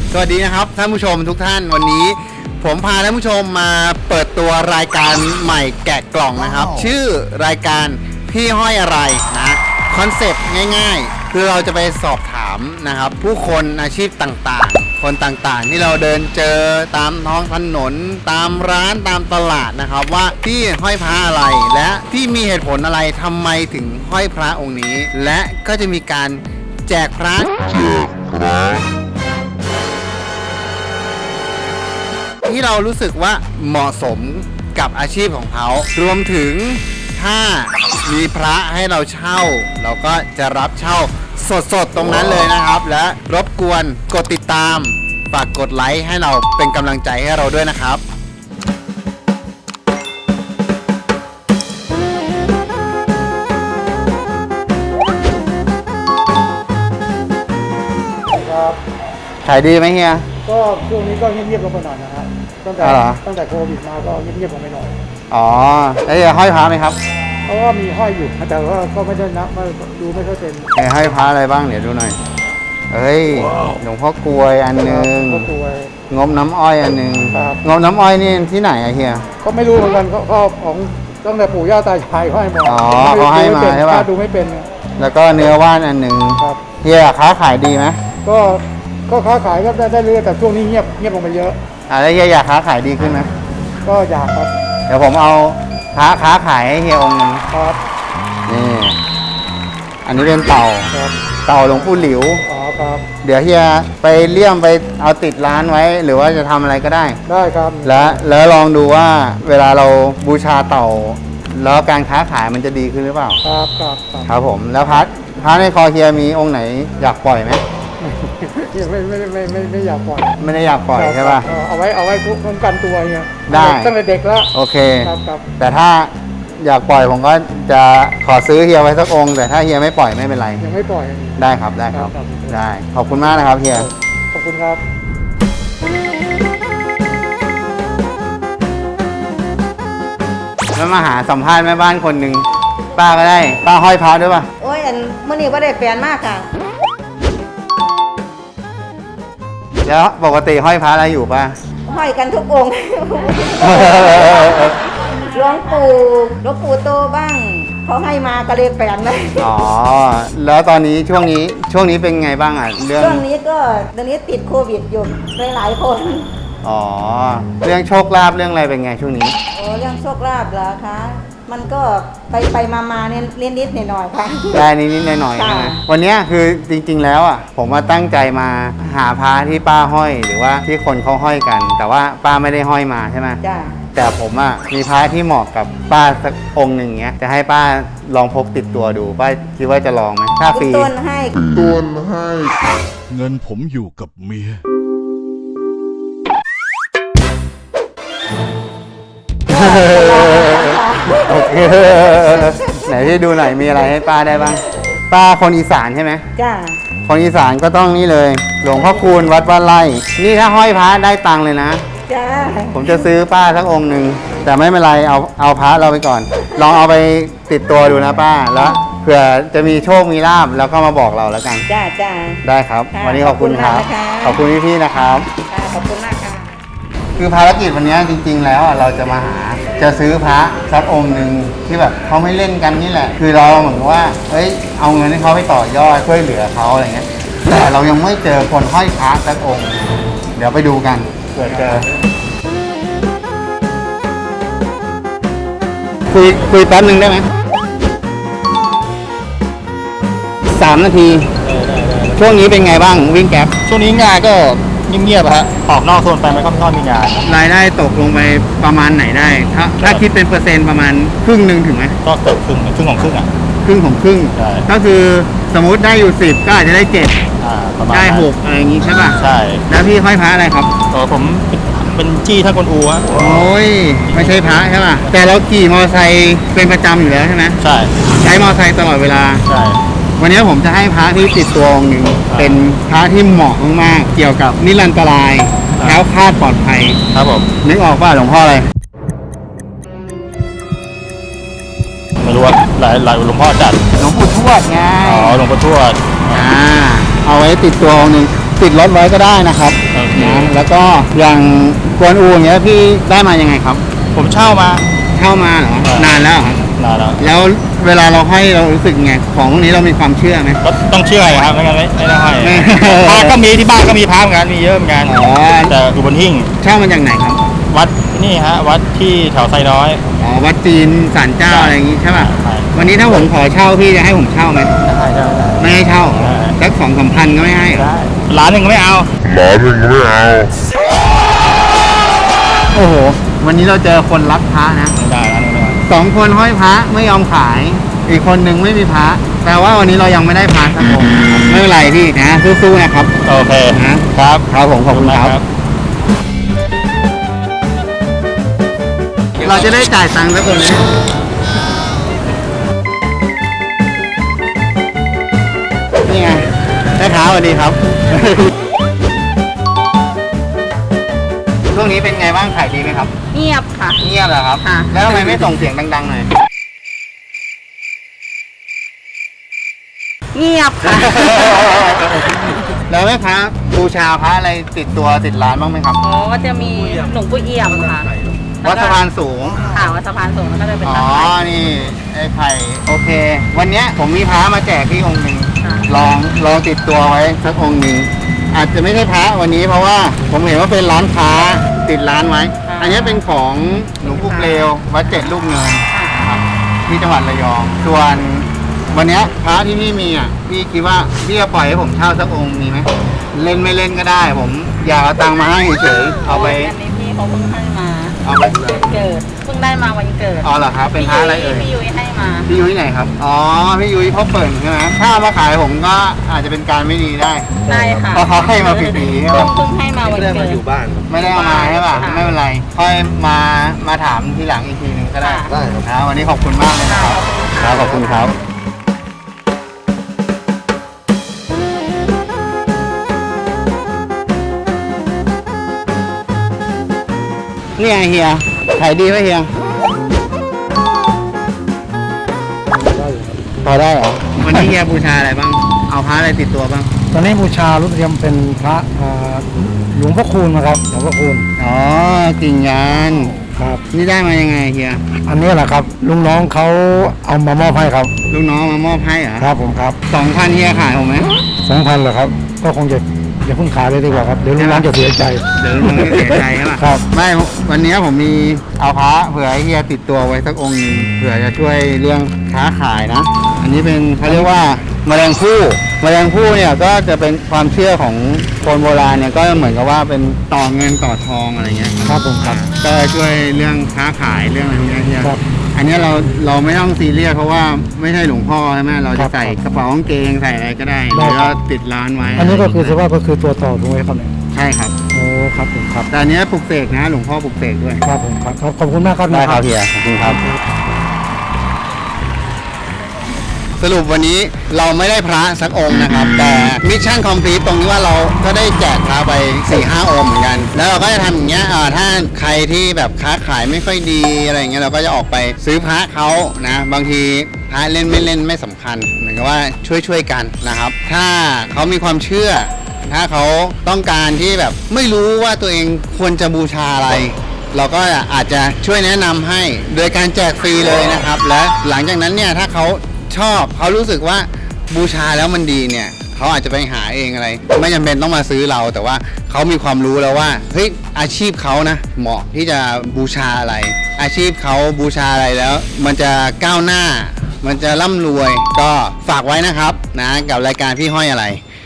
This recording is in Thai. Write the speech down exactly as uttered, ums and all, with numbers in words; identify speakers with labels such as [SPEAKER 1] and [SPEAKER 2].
[SPEAKER 1] สวัสดีนะครับท่านผู้ชมทุกท่านวันนี้ผมพาท่านผู้ชมมาเปิดตัวรายการใหม่แกะกล่องนะครับ wow. ชื่อรายการพี่ห้อยอะไรนะคอนเซปต์ง่ายๆคือเราจะไปสอบถามนะครับผู้คนอาชีพต่างๆคนต่างๆที่เราเดินเจอตามท้องถนนตามร้านตามตลาดนะครับว่าพี่ห้อยพระอะไรและพี่มีเหตุผลอะไรทำไมถึงห้อยพระองค์นี้และก็จะมีการแจกพระแจกพระที่เรารู้สึกว่าเหมาะสมกับอาชีพของเขารวมถึงถ้ามีพระให้เราเช่าเราก็จะรับเช่าสดๆตรงนั้นเลยนะครับและรบกวนกดติดตามฝากกดไลค์ให้เราเป็นกำลังใจให้เราด้วยนะครับ
[SPEAKER 2] ครับ
[SPEAKER 1] ขายดีไหมเฮีย
[SPEAKER 2] ก็ช่วงนี้ก็เงียบๆลงไปหน่อยนะครับตั้งแต่ตั้งแต่โควิดมาก็เงียบๆลงไปหน่อย
[SPEAKER 1] อ๋อแล้วเฮียห้อยพระไหมครับ
[SPEAKER 2] เพราะว่ามีห้อยอยู่แต่ว่าก็ไม่ได้นับดูไม่ค่อยเป็น
[SPEAKER 1] เฮียห้อยพระอะไรบ้างเดี๋ยวดูหน่อยเฮ้ยหลวงพ่อกลวยอันนึงงบน้ำอ้อยอันนึงงบน้ำอ้อยนี่ที่ไหนอะเฮีย
[SPEAKER 2] ก็ไม่รู้เหมือนกันก็ของตั้งแต่ปู่ย่าตายายเขาให้มา
[SPEAKER 1] อ๋อเขาให้มาใช่ป่ะ
[SPEAKER 2] ดูไม่เป็น
[SPEAKER 1] แล้วก็เนื้อว่านอันนึงเฮียค้าขายดีไหม
[SPEAKER 2] ก็ก็ค้าขายก็ได้เรื่อยแต่ช่วงนี้เงียบเงียบลงไปเยอะ
[SPEAKER 1] อ่าแล้วเฮียอยากค้าขายดีขึ้นไหม
[SPEAKER 2] ก็อยากครับ
[SPEAKER 1] เดี๋ยวผมเอาค้าค้าขายให้เฮียองค์นึง
[SPEAKER 2] ครับ
[SPEAKER 1] นี่อันนี้เป็นเต่าเต่าหลวงปู่หลิว
[SPEAKER 2] อ๋อครับ
[SPEAKER 1] เดี๋ยวเฮียไปเลี่ยมไปเอาติดร้านไว้หรือว่าจะทำอะไรก็ได้
[SPEAKER 2] ได้ครับ
[SPEAKER 1] แล้วแล้วลองดูว่าเวลาเราบูชาเต่าแล้วการค้าขายมันจะดีขึ้นหรือเปล่า
[SPEAKER 2] ครับครับ
[SPEAKER 1] ครับผมแล้วพัดพัดในคอเฮียมีองค์ไหนอยากปล่อยไหม
[SPEAKER 2] ไม่ไม่ไม่ไม่ไม่อยากปล่อย
[SPEAKER 1] ไม่ได้อยากปล่อยใช่ป่ะ
[SPEAKER 2] เอาไว้เอาไว้คุ้มกันตัวเงี้ย
[SPEAKER 1] ได้
[SPEAKER 2] ตั้งแต่เด็กแล้ว
[SPEAKER 1] โอเค
[SPEAKER 2] ครับครับ
[SPEAKER 1] แต่ถ้าอยากปล่อยผมก็จะขอซื้อเฮียไว้สักองค์แต่ถ้าเฮียไม่ปล่อยไม่เป็นไร
[SPEAKER 2] ยังไม่ปล่อย
[SPEAKER 1] ได้ครับได้ครับได้ขอบคุณมากนะครับเฮีย
[SPEAKER 2] ขอบคุณครับ
[SPEAKER 1] แล้วมาหาสัมภาษณ์แม่บ้านคนหนึ่งป้าก็ได้ป้าห้อยพระด้วยป่ะ
[SPEAKER 3] โอ้ยอันเมื่อนี้ก็ได้แฟนมากค่ะ
[SPEAKER 1] แล้วปกติห้อยพระอะไรอยู่ป่ะ
[SPEAKER 3] ห้อยกันทุกองค์หลวงปู่หลวงปู่โตบ้างเขาให้มาก็เลยแฟนเลย
[SPEAKER 1] อ๋อแล้วตอนนี้ช่วงนี้ช่วงนี้เป็นไงบ้างอ่ะ
[SPEAKER 3] เรื่องช่วงนี้ก็ตอนนี้ติดโควิดอยู่หลายๆคน
[SPEAKER 1] อ๋อเรื่องโชคลาภเรื่องอะไรเป็นไงช่วงนี้
[SPEAKER 3] โอ้เรื่องโชคลาภเหรอคะมันก็ไปไปมามาเนี่ยนิดนิดหน่อยหน่อยค่ะ
[SPEAKER 1] ได้นิดนิดหน่อยหน่อยใช่ไหมวันนี้คือจริงๆแล้วอ่ะผมมาตั้งใจมาหาพระที่ป้าห้อยหรือว่าที่คนเขาห้อยกันแต่ว่าป้าไม่ได้ห้อยมาใช่ไหม
[SPEAKER 3] จ้า
[SPEAKER 1] แต่ผมอ่ะมีพระที่เหมาะกับป้าสักองค์หนึ่งเงี้ยจะให้ป้าลองพกติดตัวดูป้าคิดว่าจะลองไหมถ้าฟรี
[SPEAKER 3] ต้นให้
[SPEAKER 1] ต้นให้
[SPEAKER 4] เงินผมอยู่กับเมีย
[SPEAKER 1] โอเคไหนที่ดูหน่อยมีอะไรให้ป้าได้บ้างป้าคนอีสานใช่ไหม
[SPEAKER 3] จ้า
[SPEAKER 1] คนอีสานก็ต้องนี่เลยหลวงพ่อคูณวัดบ้านไร่นี่ถ้าห้อยพระได้ตังค์เลยนะ
[SPEAKER 3] จ้า
[SPEAKER 1] ผมจะซื้อป้าสักองค์หนึ่งแต่ไม่เป็นไรเอาเอาพระเราไปก่อนลองเอาไปติดตัวดูนะป้าแล้วเผื่อจะมีโชคมีลาภแล้วก็มาบอกเราแล้วกัน
[SPEAKER 3] จ้าจ้า
[SPEAKER 1] ได้ครับวันนี้ขอบคุณครับขอบคุณพี่ๆนะครับ
[SPEAKER 3] ขอบคุณมากค่ะ
[SPEAKER 1] คือภารกิจวันนี้จริงๆแล้วเราจะมาหาจะซื้อพระสักองค์หนึ่งที่แบบเขาไม่เล่นกันนี่แหละคือเราเหมือนว่าเฮ้ยเอาเงินให้เขาไปต่อยอดช่วยเหลือเขาอะไรเงี้ยแต่เรายังไม่เจอคนห้อยพระสักองค์เดี๋ยวไปดูกันเผื่อเจอคุยคุยแป๊บนึงได้ไหมสามนาทีช่วงนี้เป็นไงบ้างวิ่งแก๊ป
[SPEAKER 5] ช่วงนี้งานก็เงียบๆฮะออกนอกโซนไปไม่ค่อยมีงาน
[SPEAKER 1] รายได้ตกลงไปประมาณไหนได้ถ้าถ้าคิดเป็นเปอร์เซ็นต์ประมาณครึ่งหนึ่งถึงไหม
[SPEAKER 5] ก็เกือบครึ่งครึ่งของครึ่งอ่ะ
[SPEAKER 1] ครึ่งของครึ่งก็คือสมมุติได้อยู่สิบก็อาจจะได้เจ็ดได้หกอะไรอย่างงี้ใช่ป่ะ
[SPEAKER 5] ใช่
[SPEAKER 1] แล้วพี่ห้อยพระอะไรครับ
[SPEAKER 5] เออผมเป็นจี้ท่านกวนอูฮะ
[SPEAKER 1] โอ้ยไม่ใช่พระใช่ป่ะแต่เราขี่มอเตอร์ไซค์เป็นประจำอยู่แล้วใช่ไหม
[SPEAKER 5] ใช่
[SPEAKER 1] ใช้มอเตอร์ไซค์ตลอดเวลา
[SPEAKER 5] ใช่
[SPEAKER 1] วันนี้ผมจะให้พระที่ติดตัวองค์หนึ่งเป็นพระที่เหมาะมากๆเกี่ยวกับนิรันตรายแคล้วคลาดปลอดภัย
[SPEAKER 5] ครับผม
[SPEAKER 1] นึกออกป่ะหลวงพ่ออะไร
[SPEAKER 5] ไม่รู้ว่าหลายหลายหลวงพ่อจัด
[SPEAKER 1] หลวงปู่ทวดไง
[SPEAKER 5] อ๋อหลวงปู่ทวด
[SPEAKER 1] อ่าเอาไว้ติดตัวองค์หนึ่งติดรถไว้ก็ได้นะครับ
[SPEAKER 5] โอเค
[SPEAKER 1] นะแล้วก็อย่างกวนอูอย่างเงี้ยพี่ได้มายังไงครับ
[SPEAKER 5] ผมเช่ามา
[SPEAKER 1] เช่ามาเหรอ
[SPEAKER 5] ครับ
[SPEAKER 1] นานแล้วเหรอครับ
[SPEAKER 5] นานแล้ว
[SPEAKER 1] แล้วเวลาเราให้เรารู้สึกไงของพวกนี้เรามีความเชื่อไหม
[SPEAKER 5] ก็ต้องเชื่อครับไม่งั้นไม่ไม่ได้ให้
[SPEAKER 1] ไม่
[SPEAKER 5] พระก็มีที่บ้านก็มีพระเหมือนกันมีเยอะเหมือนกัน
[SPEAKER 1] อ๋อ
[SPEAKER 5] แต่อยู่บนหิ้ง
[SPEAKER 1] เช่ามาจากไหนครับ
[SPEAKER 5] วัดนี่ฮะวัดที่แถวไซน้อย
[SPEAKER 1] อ๋อวัดจีนศาลเจ้าอะไรอย่างงี้ใช่ป่ะ
[SPEAKER 5] ใช่
[SPEAKER 1] วันนี้ถ้าผมขอเช่าพี่จะให้ผมเช่าไหม
[SPEAKER 5] ได้ได้ได้
[SPEAKER 1] ไม่ให้เช่า
[SPEAKER 5] ได้
[SPEAKER 1] สักสองสามพันก็ไม่ให้เหรอ
[SPEAKER 5] ได้ร้านหนึ่งก็ไม่เอา
[SPEAKER 1] โอ้โห วันนี้เราเจอคนรักพระนะ
[SPEAKER 5] ไม่ได้ร้านหนึ่งไม่เอา
[SPEAKER 1] สองคนห้อยพระไม่ยอมขาย อีกคนหนึ่งไม่มีพระแปลว่าวันนี้เรายังไม่ได้พระสักองค์นะครับไม่เป็นไรพี่นะสู้ๆนะครับ
[SPEAKER 5] โอเค
[SPEAKER 1] นะครับ ครับผมขอบคุณครับ เราจะได้จ่ายตังค์สักคนนี้นี่ไงแม่ค้าสวัสดีครับ ช่วงนี้เป็นไงบ้างขายดีไหมครับ
[SPEAKER 3] เงียบค่ะ
[SPEAKER 1] เงียบเหรอครับ
[SPEAKER 3] ค่ะ
[SPEAKER 1] แล้วทำไมไม่ส่งเสียงดังๆหน่อย
[SPEAKER 3] เงียบค่ะ
[SPEAKER 1] แล้วแม่ค้าบูชาพระอะไรติดตัวติดร้านบ้างไหมครับ
[SPEAKER 3] อ๋อก็จะมีหลวงปู่เอี่ยมค่ะ
[SPEAKER 1] วัดสะพานสูง
[SPEAKER 3] ค่ะวัดสะพานสูงแล้วก็จะเป็น
[SPEAKER 1] อ๋อ
[SPEAKER 3] ตั้งไข่
[SPEAKER 1] นี่ไอ้ไผ่โอเค วันเนี้ยผมมีพระมาแจกพี่องค์หนึ่ง
[SPEAKER 3] ค่ะ
[SPEAKER 1] ลองลองติดตัวไว้สักองค์หนึ่งอาจจะไม่ใช่พระวันนี้เพราะว่าผมเห็นว่าเป็นร้านค้าติดร้านไว้ อันนี้เป็นของหลวงปู่เปลววัดเจ็ดลูกเนินนะครับที่จังหวัดระยอง ส่วนวันเนี้ยพระที่พี่มีอ่ะพี่คิดว่าพี่จะปล่อยให้ผมเช่าสักองค์มีไหมเล่นไม่เล่นก็ได้ ผมอยากเอาตังค์มาให้เฉยๆเอาไป
[SPEAKER 3] อันนี้พี่เขาเพิ่งให้มา
[SPEAKER 1] เอาไป
[SPEAKER 3] วันเกิดเพิ่งได้มาวันเกิด
[SPEAKER 1] อ๋อเหรอครับเป็นพระอะไรเอ่ย
[SPEAKER 3] พี่ยุ้ยให้มา
[SPEAKER 1] พี่ยุ้ยไหนครับ อ๋อ พี่ยุ้ยพ่อเปิ่นใช่ไหมถ้าเอามาขายผมก็อาจจะเป็นการไม่ดีได้
[SPEAKER 3] ได้ค่ะ
[SPEAKER 1] เพราะเขาให้มาฟรีๆใช่
[SPEAKER 3] เพิ่
[SPEAKER 1] ปะ
[SPEAKER 3] งเพิ่งให้มาวันเกิด
[SPEAKER 1] ไม่ได้เอามาใช่ป่ะ
[SPEAKER 3] ค่ะ
[SPEAKER 1] ไม่เป็นไร ค่อยมา มาถามทีหลังอีกทีหนึงก็ได้
[SPEAKER 3] ค่ะ
[SPEAKER 1] ได้ครับนะวันนี้ขอบคุณมากเลยนะครับ ครับ ขอบคุณครับ นี่ไงเฮีย ขายดีไหมเฮีย พอได้เหรอ วันนี้เฮียบูชาอะไรบ้าง เอาพระอะไรติดตัวบ้าง
[SPEAKER 2] ตอนนี้บูชารุ่นเทียมเป็นพระอ่าหลวงพ่อคูณนะครับหลวงพ่อคูณ
[SPEAKER 1] อ๋อ กิ่งงาน
[SPEAKER 2] ครับ
[SPEAKER 1] นี่ได้มายังไงเฮีย
[SPEAKER 2] อันนี้แหละครับลุงน้องเขาเอามามอบให้ครับ
[SPEAKER 1] ลูกน้องมามอบให้เหรอ
[SPEAKER 2] ครับผมครับ
[SPEAKER 1] สองพันเฮียขายผมไหม
[SPEAKER 2] สองพันเหรอครับ ก็คงจะอย่าเพิ่งขายเลยดีกว่าครับเดี๋ยวลุงน้องจะเสียใจ
[SPEAKER 1] เดี๋ยวลุงจะเสียใจใช่ปะ
[SPEAKER 2] ครับ
[SPEAKER 1] ไม่ วันนี้ผมมีเอาพระเผื่อให้เฮียติดตัวไว้สักองค์หนึงเผื่อจะช่วยเรื่องค้าขายนะ อันนี้เป็นเขาเรียกว่าแมลงผู้แมลงผู้เนี่ยก็จะเป็นความเชื่อของคนโบราณเนี่ยก็เหมือนกับว่าเป็นต่อเงินต่อทองอะไรเงี้ย
[SPEAKER 2] ครับผมครับ
[SPEAKER 1] ก็ช่วยเรื่องค้าขายเรื่องอะไรพวกเนี้ยเฮีย
[SPEAKER 2] ครับ
[SPEAKER 1] อันเนี้ยเราเราไม่ต้องซีเรียสเพราะว่าไม่ใช่หลวงพ่อใช่ไหมเรา
[SPEAKER 2] ครั
[SPEAKER 1] จะ
[SPEAKER 2] บ
[SPEAKER 1] ใส่กระเป๋ากางเกงใส่อะไรก็ได้
[SPEAKER 2] ได้
[SPEAKER 1] แล้ว
[SPEAKER 2] ครั
[SPEAKER 1] ก็
[SPEAKER 2] บ
[SPEAKER 1] ติดร้านไว้
[SPEAKER 2] อันนี้ก็คือสภาพก็คือตัวต่อถูกไหมครับเนี่ย
[SPEAKER 1] ใช่ครับ
[SPEAKER 2] โอ้ครับผมครับ
[SPEAKER 1] แต่อันเนี้ยปลุกเสกนะหลวงพ่อปลุกเสกด้วย
[SPEAKER 2] ครับผมครับครับขอบคุณมากครับ
[SPEAKER 1] ได้ครับเฮียขอบคุณครับ สรุปวันนี้เราไม่ได้พระสักองค์นะครับ แต่มิชชั่นคอมพลีทตรงที่ว่าเราก็ได้แจกพระไป สี่ห้า องค์เหมือนกัน แล้วเราก็จะทำอย่างเงี้ยอ่าถ้าใครที่แบบค้าขายไม่ค่อยดีอะไรอย่างเงี้ยเราก็จะออกไปซื้อพระเขานะ บางทีพระเล่นไม่เล่นไม่สำคัญเหมือนกับว่าช่วยช่วยๆกันนะครับ ถ้าเขามีความเชื่อ ถ้าเขาต้องการที่แบบไม่รู้ว่าตัวเองควรจะบูชาอะไร เราก็อาจจะช่วยแนะนำให้โดยการแจกฟรีเลยนะครับ และหลังจากนั้นเนี่ยถ้าเขาชอบเขารู้สึกว่าบูชาแล้วมันดีเนี่ยเขาอาจจะไปหาเองอะไร ไม่จำเป็นต้องมาซื้อเราแต่ว่าเขามีความรู้แล้วว่าเฮ้ยอาชีพเขานะเหมาะที่จะบูชาอะไร อาชีพเขาบูชาอะไรแล้ว มันจะก้าวหน้า มันจะร่ำรวยก็ฝากไว้นะครับนะกับรายการพี่ห้อยอะไร